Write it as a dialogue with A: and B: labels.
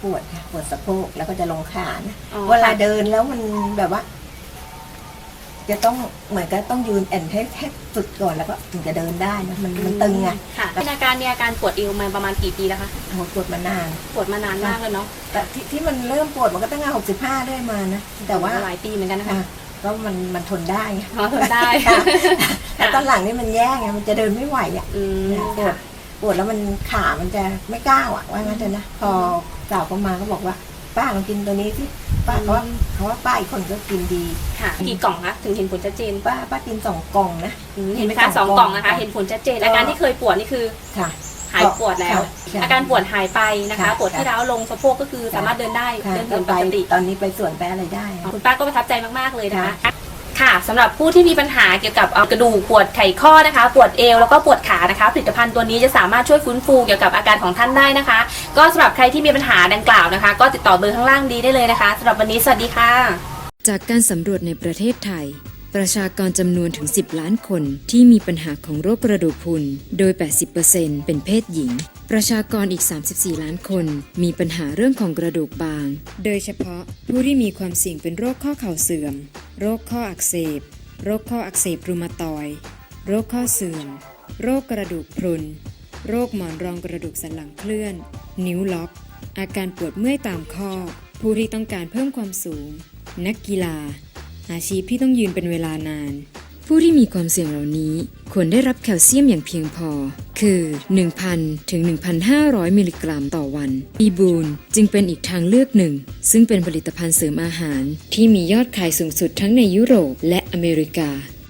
A: ปวดค่ะปวดสะโพกแล้วก็จะลงขานะ
B: อ๋อ
A: เวลาเดินแล้วมันแบบว่า จะต้องเหมือนก็ต้องยืนแอนให้สุดก่อนแล้วก็ถึงจะเดินได้นะมันตึงไง
B: ค่ะมีอาการปวดเอวมาประมาณกี่ปีแล้วคะ
A: โอ้โหปวดมานาน
B: ปวดมานานมากเลยเนาะ
A: แต่ที่มันเริ่มปวดมันก็ตั้งแต่65ได้มานะแต่ว่า
B: หลายปีเหมือนกันนะคะ
A: อ่ะก็มันทนได้ไง
B: พอทนได้
A: ค่ะแต่ตอนหลังนี่มันแย่ไงมันจะเดินไม่ไหวอ่ะ
B: อืม
A: เนี่ยปวดแล้วมันขามันจะไม่ก้าวอ่ะว่างั้นเถอะนะพอสาวเขามาก็บอกว่า ป้าลองกินตัวนี้สิป้าเขาว่าป้าอีกคนก็กินดี
B: ค่ะกี่กล่องคะถึงเห็นผลชัดเจน
A: ป้ากิน2 กล่องนะ
B: เห็นไหมคะ2 กล่องนะคะ เห็นผลชัดเจนอาการที่เคยปวดนี่คือ
A: ค่ะ
B: หายปวดแล้ว
A: ค่ะ
B: อาการปวดหายไปนะคะ
A: ค่ะ
B: ปวดที่ร้าวลงสะโพกก็คือสามารถเดินได้
A: ค่ะ
B: เดิน
A: ก็
B: เหิน
A: ไป
B: ปกติ
A: ตอนนี้ไปสวนไปอะไรได้
B: คุณป้าก็ประทับใจมากๆเลยนะคะ
A: ค่ะ
B: ค่ะสำหรับผู้ที่มีปัญหาเกี่ยวกับกระดูกปวดไขข้อนะคะ ปวดเอวแล้วก็ปวดขานะคะผลิตภัณฑ์ตัวนี้จะสามารถช่วยฟื้นฟูเกี่ยวกับอาการของท่านได้นะคะ ก็สำหรับใครที่มีปัญหาดังกล่าวนะคะ ก็ติดต่อเบอร์ข้างล่างดีได้เลยนะคะสำหรับวันนี้สวัสดีค่ะ
C: จากการสำรวจในประเทศไทย ประชากรจำนวนถึง 10 ล้านคนที่มีปัญหาของโรคกระดูกพรุน โดย 80% เป็นเพศหญิง ประชากรอีก 34 ล้านคนมีปัญหาเรื่องของกระดูกบาง โดยเฉพาะผู้ที่มีความเสี่ยงเป็นโรคข้อเข่าเสื่อม โรคข้ออักเสบ โรคข้ออักเสบรูมาตอยด์โรคข้อเสื่อม โรคกระดูกพรุน โรคหมอนรองกระดูกสันหลังเคลื่อน นิ้วล็อก อาการปวดเมื่อยตามข้อ ผู้ที่ต้องการเพิ่มความสูง นักกีฬา อาชีพที่ต้องยืนเป็นเวลานาน ผู้ที่มีความเสี่ยงเหล่านี้ควรได้รับแคลเซียมอย่างเพียงพอ คือ 1,000 ถึง 1,500 มิลลิกรัมต่อวันบีบูนจึงเป็นอีกทางเลือกหนึ่ง ซึ่งเป็นผลิตภัณฑ์เสริมอาหารที่มียอดขายสูงสุดทั้งในยุโรปและอเมริกา